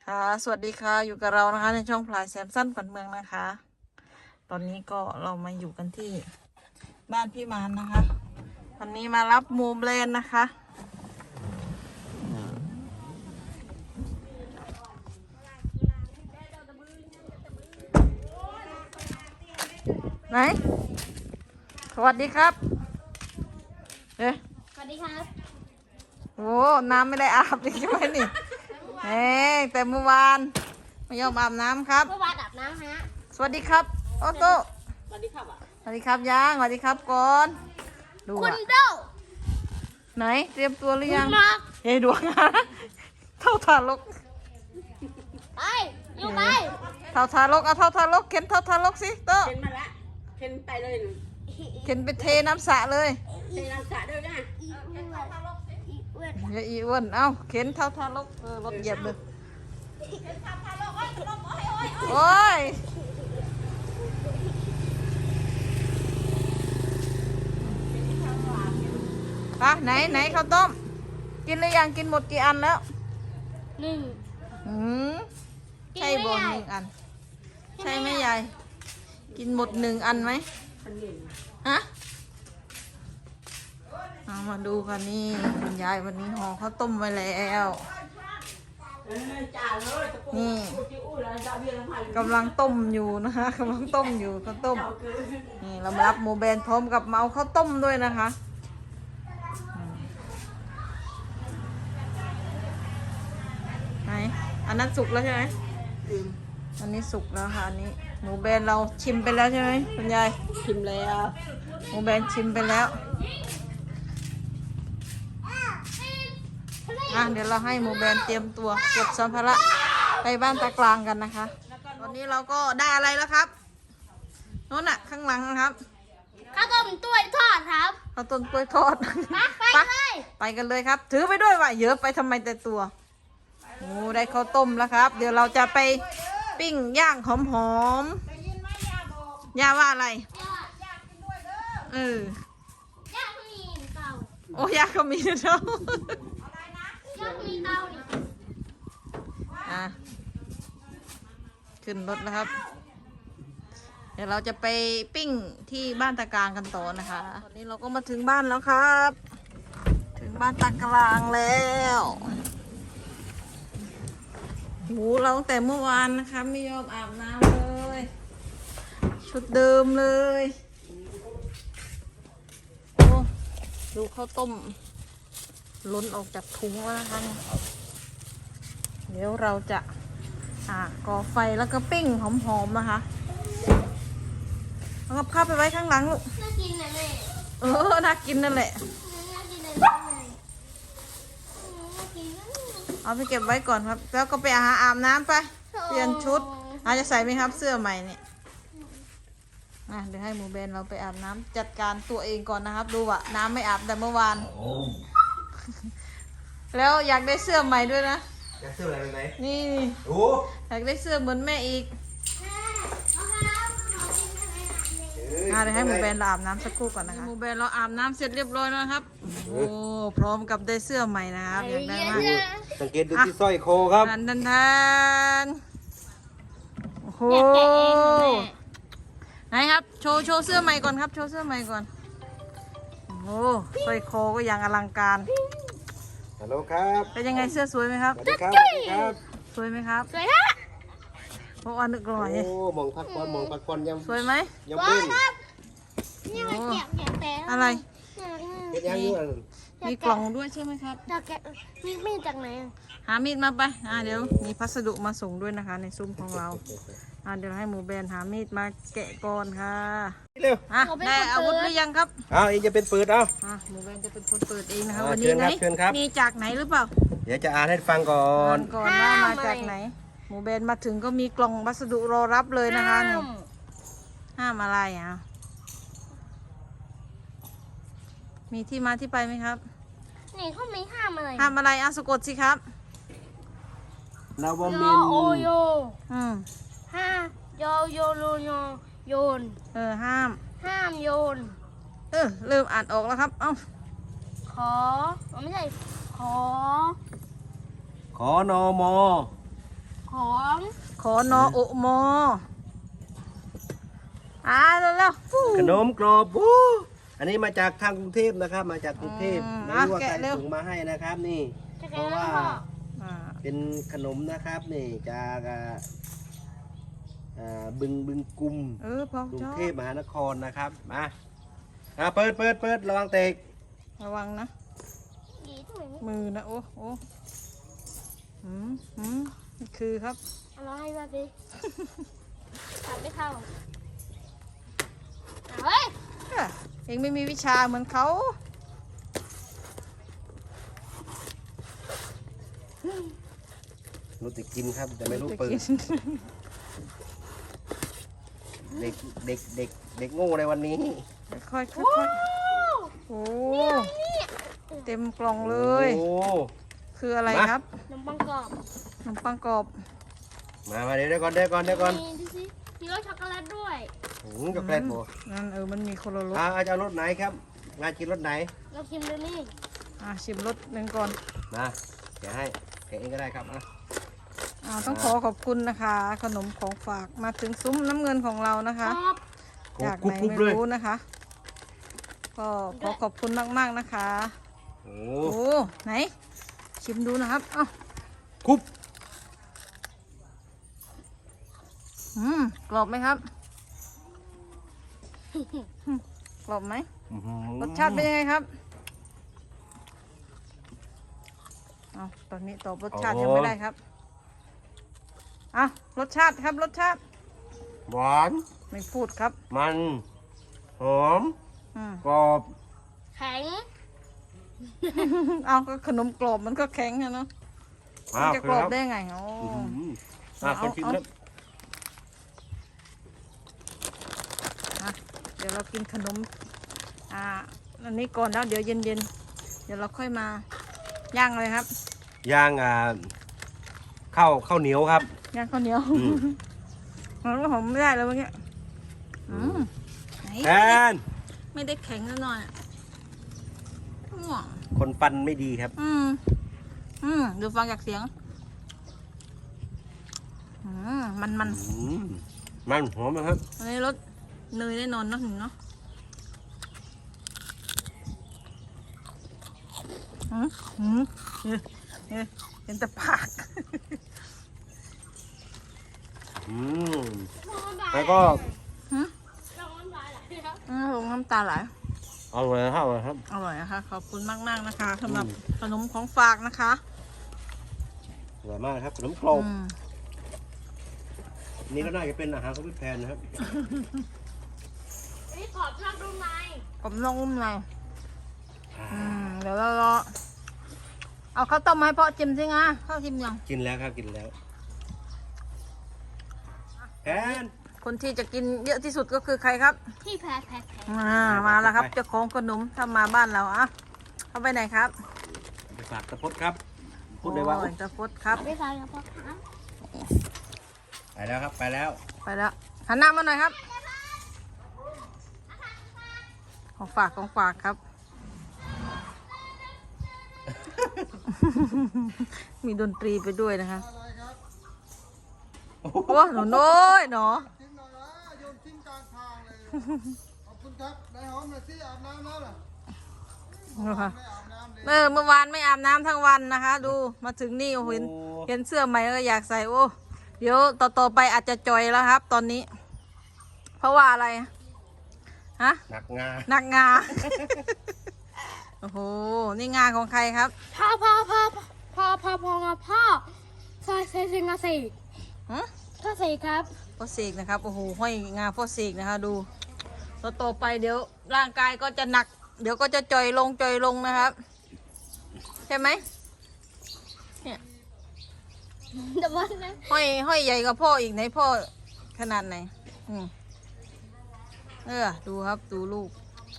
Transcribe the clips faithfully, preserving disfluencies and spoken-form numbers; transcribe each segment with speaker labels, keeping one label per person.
Speaker 1: ค่ะสวัสดีค่ะอยู่กับเรานะคะในช่องพลายแซมสันขวัญเมืองนะคะ ตอนนี้ก็เรามาอยู่กันที่บ้านพี่มานนะคะวันนี้มารับมูเบลนนะคะไหนสวัสดีครับเอ๊ะ
Speaker 2: สวัสดีครับ
Speaker 1: โอ้น้ำไม่ได้อาบเลยใช่ไหมนี่เอ๊แต่เมื่อวานไม่ยอมอาบน้ำครับ
Speaker 2: เมื่อวานอาบน้ำฮะ
Speaker 1: สวัสดีครับโอโต้
Speaker 2: สวัสดีครับอ่ะ
Speaker 1: สวัสดีครับยังสวัสดีครับก่อนดู
Speaker 2: คุณ
Speaker 1: อะ
Speaker 2: เด้า
Speaker 1: ไหนเตรียมตัวหรือยัง
Speaker 2: คุณมาร์ค
Speaker 1: เฮ้ยดวงนะเท่าทารก
Speaker 2: ไปอยู่ไป
Speaker 1: เท่าทารกเอาเท่าทารกเข็นเท่าทารกสิโต
Speaker 3: เข็นมาละเข็นไปเลยหนู
Speaker 1: เข็นไปเทน้ำสระเลย
Speaker 3: เข็นน้ำสระด้วยนะ
Speaker 2: อีอ้วนอีอ้วน
Speaker 1: อย่าอีอ้วนเอ้าเข็นเท่าทารกเออรถเหยียบเลยโอ้ยปะไหนไหนข้าวต้มกินหรือยังกินหมดกี่อันแล้ว
Speaker 2: หนึ่ง
Speaker 1: อืมใช่บนหนึ่งอัน ใช่ไหมยายกินหมดหนึ่งอันไหมฮะเอามาดูกันนี่คุณยายวันนี้ห่อข้าวต้มไว้แล้วนี่กำลังต้มอยู่นะคะกำลังต้มอยู่ข้าวต้มนี่เรามารับโมเบนพร้อมกับเมาข้าวต้มด้วยนะคะไหนอันนั้นสุกแล้วใช่ไหมอันนี้สุกแล้วค่ะอันนี้หมูแบนเราชิมไปแล้วใช่ไหมคุณยาย
Speaker 3: ชิมแล้ว
Speaker 1: หมูแบนชิมไปแล้วอ่ะเดี๋ยวเราให้หมูแบนเตรียมตัวเก็บสัมภาระไปบ้านตากลางกันนะคะตอนนี้เราก็ได้อะไรแล้วครับโน่นน่ะข้างหลังนะครับ
Speaker 2: ข้าวต้มต้วยทอดครับ
Speaker 1: ข้าวต้นกล้วยทอด
Speaker 2: ไปไปเลย
Speaker 1: ไปกันเลยครับ ถือไปด้วยว่ะเยอะไปทำไมแต่ตัวโอ้ได้ข้าวต้มแล้วครับ เดี๋ยวเราจะไปปิ้งย่างหอมๆย่าว่าอะไรเอ
Speaker 2: ย่
Speaker 1: อ
Speaker 2: างมีเตา
Speaker 1: โอ้ย่าก็มีนะเจ้า
Speaker 2: ย่างมีเตานี่
Speaker 1: อ่ะขึ้นรถแล้วครับ เดี๋ยวเราจะไปปิ้งที่บ้านตากลางกันต่อนะคะตอนนี้เราก็มาถึงบ้านแล้วครับ ถึงบ้านตากลางแล้วโหเราตั้งแต่เมื่อวานนะคะไม่ยอมอาบน้ำเลย ชุดเดิมเลยโอ้ดูข้าวต้มล้นออกจากถุงแล้วนะคะเนี่ยเดี๋ยวเราจะอ่าก่อไฟแล้วก็ปิ้งหอมๆนะคะเอากับข้าวไปไว้ข้างหลังลูก
Speaker 2: น่ากินนะแม่
Speaker 1: เออน่ากินนั่นแหละ
Speaker 2: น่ากินนะแม่น่ากินนะ
Speaker 1: เอาไปเก็บไว้ก่อนครับ แล้วก็ไปหาอาบน้ำไปเปลี่ยนชุดอาจจะใส่ไหมครับเสื้อใหม่เนี่ยอ่ะเดี๋ยวให้หมูเบนเราไปอาบน้ำจัดการตัวเองก่อนนะครับ ดูว่าน้ำไม่อาบแต่เมื่อวาน แล้วอยากได้เสื้อใหม่ด้วยนะ
Speaker 4: จะซื้ออะไรไปไหม
Speaker 1: นี่
Speaker 4: โอ้
Speaker 1: อยากได้เสื้อเหมือนแม่อีกอ่ะเดี๋ยวให้หมูแบนเราอาบน้ำสักครู่ก่อนนะคะหมูแบนเราอาบน้ำเสร็จเรียบร้อยแล้วนะครับโอ้พร้อมกับได้เสื้อใหม่นะครับอยากได้มาก
Speaker 4: สังเกตดูที่สร้อยคอครับ
Speaker 1: ทันทันทันโอ้โห
Speaker 2: อยากแกะเองค่ะแม่
Speaker 1: ไหนครับโชว์โชว์เสื้อใหม่ก่อนครับโชว์เสื้อใหม่ก่อนโอ้โหสร้อยคอก็อย่างอลังการ
Speaker 4: ฮัลโหลครับ
Speaker 1: เป็นยังไงเสื้อสวยไหมครับ
Speaker 4: สวัสดีครับสวัสดีครับ
Speaker 1: สวยไหมครับ
Speaker 2: สวยฮะ
Speaker 1: โอ้อันนึกร่อย
Speaker 4: โอ้มองพักผ่อนมองพักผ่อนยัง
Speaker 1: สวยไหม
Speaker 4: ยังเป็น
Speaker 2: นี่มันแกะแกะแต่
Speaker 1: อะไร
Speaker 4: เป็นยังอยู่อัน
Speaker 1: มีกล่องด้วยใช่ไหมครับ
Speaker 2: จะแกะมีมีดจากไหนอะ
Speaker 1: หามีดมาไปอ่าเดี๋ยวมีพัสดุมาส่งด้วยนะคะ ในซุ้มของเราอ่าเดี๋ยวให้หมูแบนหามีดมาแกะก่อนค่ะ
Speaker 4: เร็ว
Speaker 1: อ่ะได้อาวุธหรือยังครับ
Speaker 4: เอาอีกจะเป็นปืนเอา
Speaker 1: อ่ะหมูแบนจะเป็นคนเปิดเองนะคะ
Speaker 4: อ่า
Speaker 1: วันนี้ไหน
Speaker 4: เชิญครับเชิญครับ
Speaker 1: มีจากไหนหรือเปล่า
Speaker 4: เดี๋ยวจะอ่านให้ฟังก่อน
Speaker 1: ก่อนว่ามาจากไหน หมูแบนมาถึงก็มีกล่องวัสดุรอรับเลยนะคะนี่ห้ามอะไรอ่ะมีที่มาที่ไปไหมครับ
Speaker 2: นี่เขาไม่ห้ามอะไร
Speaker 1: ห้ามอะไรอ่ะสะกดสิครับ
Speaker 4: นาว
Speaker 2: โย
Speaker 4: มิน
Speaker 2: โอโย
Speaker 1: อืม
Speaker 2: ห้าโยโยโยโยโยน
Speaker 1: เออห้าม
Speaker 2: ห้ามโยน
Speaker 1: เออเริ่มอ่านออกแล้วครับเอ้า
Speaker 2: ขออ๋อไม่ใช่ ขอ
Speaker 4: ขอนอมอ
Speaker 2: ขของ
Speaker 1: ขอนอโอมออ่าเร็วๆฟู้
Speaker 4: ขนมกรอบวู้อันนี้มาจากทางกรุงเทพนะครับ มาจากกรุงเทพ
Speaker 1: อืม
Speaker 4: ไม่รู้ว่า
Speaker 1: อ่ะ
Speaker 4: ใคร
Speaker 1: แกะเร็ว
Speaker 4: ส่งมาให้นะครับนี่
Speaker 2: จะ
Speaker 4: เพ
Speaker 2: แก้
Speaker 4: ราะ
Speaker 2: แล้
Speaker 4: ว่า
Speaker 2: วพ่อ
Speaker 1: อ่า
Speaker 4: เป็นขนมนะครับนี่จากอ่าอ่าบึงบึงกุม
Speaker 1: เออพอก
Speaker 4: รุง
Speaker 1: ชอบ
Speaker 4: เทพมหานครนะครับมาอ่าเปิดเปิดเปิดระวังเตก
Speaker 1: ระวังนะ
Speaker 2: ดีทำไมไม่
Speaker 1: มือนะโอ้โอ้หืมหืมนี่คือครับ
Speaker 2: เอาน้องให้มาสิทำไม่เข้าเอาเฮ้ย
Speaker 1: เอ้อเองไม่มีวิชาเหมือนเขา
Speaker 4: รู้แต่กินครับแต่ไม่รู้
Speaker 1: จะ
Speaker 4: เปิด
Speaker 1: กิน
Speaker 4: เด็กเด็กเด็กเด็กโง่ในวันนี้
Speaker 1: ค่อยๆค่อยๆโอ้เต็มกล่องเลย
Speaker 4: โอ้
Speaker 1: คืออะไร
Speaker 4: มา
Speaker 1: ครับ
Speaker 2: ขนมปังกรอบ
Speaker 1: ขนมปังกรอบ
Speaker 4: มามาเดี๋ยวเดี๋ยวก่อนเดี๋ยวก่อนเดี๋ยวก่อน
Speaker 2: มีดูสิมีรสช็อกโกแลตด้วย
Speaker 4: หืมช็อกโกแลตโบ
Speaker 1: นั่นเออมันมีคนละรส
Speaker 4: อ่าจะเอารถไหนครับงานกินรถไหน
Speaker 2: เราชิมดูนี่
Speaker 1: อ่ะชิมรสหนึ่งก่อน
Speaker 4: มาแกะให้แกะเองก็ได้ครับอ่ะ
Speaker 1: อ่าต้องขอขอบคุณนะคะ ขนมของฝากมาถึงซุ้มน้ำเงินของเรานะคะ
Speaker 2: กรอบ
Speaker 1: จาก
Speaker 4: กรุ
Speaker 1: ไห
Speaker 4: บ
Speaker 1: น
Speaker 4: กรุบ
Speaker 1: ไม่
Speaker 4: เลย
Speaker 1: รู้นะคะ ก็ขอขอบคุณมากๆนะคะ
Speaker 4: โอ้
Speaker 1: โอ้ไหน ชิมดูนะครับเอ้า
Speaker 4: คุบ
Speaker 1: อืมกรอบไหมครับอืมกรอบไหม
Speaker 4: อื้อหือ
Speaker 1: รสชาติเป็นยังไงครับเอาตอนนี้ตอบรสชาติยังไม่ได้ครับเอารสชาติครับรสชาติ
Speaker 4: หวาน
Speaker 1: ไม่พูดครับ
Speaker 4: มันหอม
Speaker 1: อืม
Speaker 4: กรอบ
Speaker 2: แข็ง
Speaker 1: เอาก็ขนมกรอบมันก็แข็งอะเนาะมันจะกรอบได้ไงโอ้
Speaker 4: อื้อหืออ่ะ
Speaker 1: เอา
Speaker 4: คนชิม
Speaker 1: เอา
Speaker 4: ครับ
Speaker 1: อ่ะเดี๋ยวเรากินขนมอ่าอันนี้ก่อนแล้วเดี๋ยวเย็นๆเดี๋ยวเราค่อยมาย่างเลยครับ
Speaker 4: ย่างอ่าข้าวข้าวเหนียวครับ
Speaker 1: ย่างข้าวเหนียว
Speaker 4: อืม
Speaker 1: มันก็หอมไม่ได้แล้วเมื่อกี้อืมไหน
Speaker 4: แทน
Speaker 1: ไม่ได้แข็งซะหน่อยอะอืม
Speaker 4: คนฟันไม่ดีครับ
Speaker 1: อืมอืมดูฟังจากเสียงอืมมันมัน
Speaker 4: อืมมันหอมนะครับ
Speaker 1: อันนี้รสเนยแน่นอนเนาะหนึ่งเนาะอืมอืมเนี่ยเนี่ยเป็นแต่ปาก
Speaker 4: อืม
Speaker 2: น้ำลาย
Speaker 4: แล้วก็
Speaker 1: หืม
Speaker 2: น้ำลายไหลครับ
Speaker 1: อืมผมน้ำตาไหล
Speaker 4: อร่อยครับอร่อยครับ
Speaker 1: อร่อยนะคะขอบคุณมากมากๆนะคะสำหรับ
Speaker 4: อืม
Speaker 1: ขนมของฝากนะคะ
Speaker 4: อร่อยมากครับขนมกรอบ
Speaker 1: อืม
Speaker 4: นี่ก็น่าจะเป็นอาหารของพี่แพนนะครับ
Speaker 2: อันนี้กรอบนอกนุ่มใน
Speaker 1: ผมลองอุ้มหน่อยอืมเดี๋ยวเรารอเอาข้าวต้มมาให้พ่อจิ้มสิงะข้าวจิ้มยัง
Speaker 4: กินแล้วครับกินแล้วแพน
Speaker 1: คนที่จะกินเยอะที่สุดก็คือใครครับ
Speaker 2: ที่แพ้แพ้แพ้
Speaker 1: อ่ามาแล้วครับเจ้าของขนมถ้ามาบ้านเราอ่ะเอาไปไหนครับ
Speaker 4: ไปฝากตะพดครับ พูดได้ว่า
Speaker 1: โอ้ยตะพดครับ
Speaker 2: ไม่ฟังครับพ่อครับ
Speaker 4: ไปแล้วครับไปแล้ว
Speaker 1: ไปแล้วหันหน้ามาหน่อยครับ ของฝากของฝากครับ มีดนตรีไปด้วยนะคะโอ้หนูน้อยหนอ
Speaker 5: ทิ้งหน่อยนะโยนทิ้งกลางทางเลย ขอบคุณครับนายหอมหน่อยสิอาบน้ำแล้วเหรอไม่อาบน้ำเลย
Speaker 1: เออเมื่อวานไม่อาบน้ำทั้งวันนะคะ ดูมาถึงนี่โอ้โหเห็นเห็นเสื้อใหม่ก็อยากใส่โอ้เดี๋ยวต่อต่อไปอาจจะจอยแล้วครับ ตอนนี้ เพราะว่าอะไรฮะ
Speaker 4: หนักงา
Speaker 1: หนักงา โอ้โหนี่งาของใครครับ
Speaker 2: พ่อพ่อพ่อพ่อพ่อพ่อพ่อพ่อใส่ใส่ใส่งาสี
Speaker 1: ฮะ
Speaker 2: ก็สีครับ
Speaker 1: พ่อเสกนะครับโอ้โหห้อยงาพ่อเสกนะคะดูต่อต่อไปเดี๋ยวร่างกายก็จะหนัก เดี๋ยวก็จะจอยลงจอยลงนะครับใช่ไหมเนี่ย
Speaker 2: แต่ว่านะ
Speaker 1: ห้อยห้อยใหญ่กว่าพ่ออีกไหนพ่อขนาดไหนอืมเออดูครับดูลูก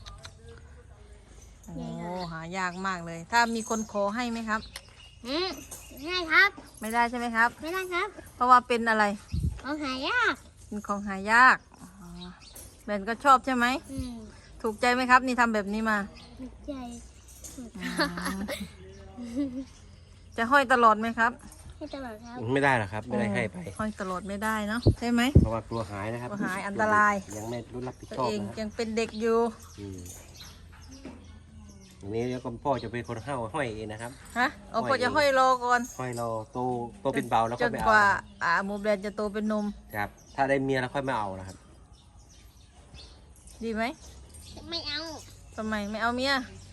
Speaker 1: โอ้หายากมากเลย ถ้ามีคนขอให้ไหมครับ
Speaker 2: อืมง่ายครับ
Speaker 1: ไม่ได้ใช่ไหมครับ
Speaker 2: ไม่ได้ครับ
Speaker 1: เพราะว่าเป็นอะไร
Speaker 2: เอาหายาก
Speaker 1: เป็นของหายากอ๋อแบนก็ชอบใช่ไหม
Speaker 2: อืม
Speaker 1: ถูกใจไหมครับ นี่ทำแบบนี้มา
Speaker 2: ถูกใจ
Speaker 1: จะห้อยตลอดไหมครับ
Speaker 2: ให้ตลอดครับ
Speaker 4: ไม่ได้หรอกครับ ไม่ได้ให้ไป
Speaker 1: ห้อยตลอดไม่ได้เนาะใช่ไหม
Speaker 4: เพราะว่ากลัวหายนะครับ
Speaker 1: กลัวหายอันตราย
Speaker 4: ยังไม่รู้รับผิด
Speaker 1: ตัว
Speaker 4: ชอบ
Speaker 1: เอง
Speaker 4: นะครับ
Speaker 1: ยังเป็นเด็กอยู่
Speaker 4: อืมอย่างนี้แล้วก็พ่อจะเป็นคนห้าห้อยเองนะครับ
Speaker 1: ฮะเอาพ่อจะห้อยรอก่อน
Speaker 4: ห้อยเราโตโตเป็นเบาแล้ว
Speaker 1: จ
Speaker 4: ค่อย
Speaker 1: น
Speaker 4: ไป
Speaker 1: ก
Speaker 4: เอา
Speaker 1: ว่า
Speaker 4: นะครับ
Speaker 1: อ่าหมูแบรนด์จะโตเป็นนม
Speaker 4: ครับ ถ้าได้เมียแล้วค่อยมาเอานะครับ
Speaker 1: ดีไหม
Speaker 2: ไม่เอา
Speaker 1: ทำไมไม่เอาเมีย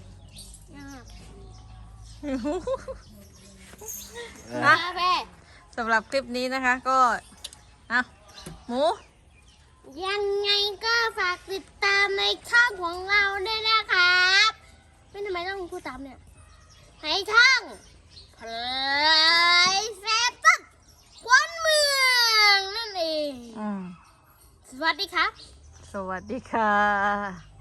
Speaker 2: นะแม่
Speaker 1: สำหรับคลิปนี้นะคะก็อ่ะหมู
Speaker 2: ยังไงก็ฝากติดตามในช่องของเราด้วยนะครับไม่ทำไมต้องพูดตามเนี่ยในช่องเพลยแฟชั่นควันเมืองนั่นเอง
Speaker 1: อืม
Speaker 2: สวัสดีครับ
Speaker 1: สวัสดีค่ะ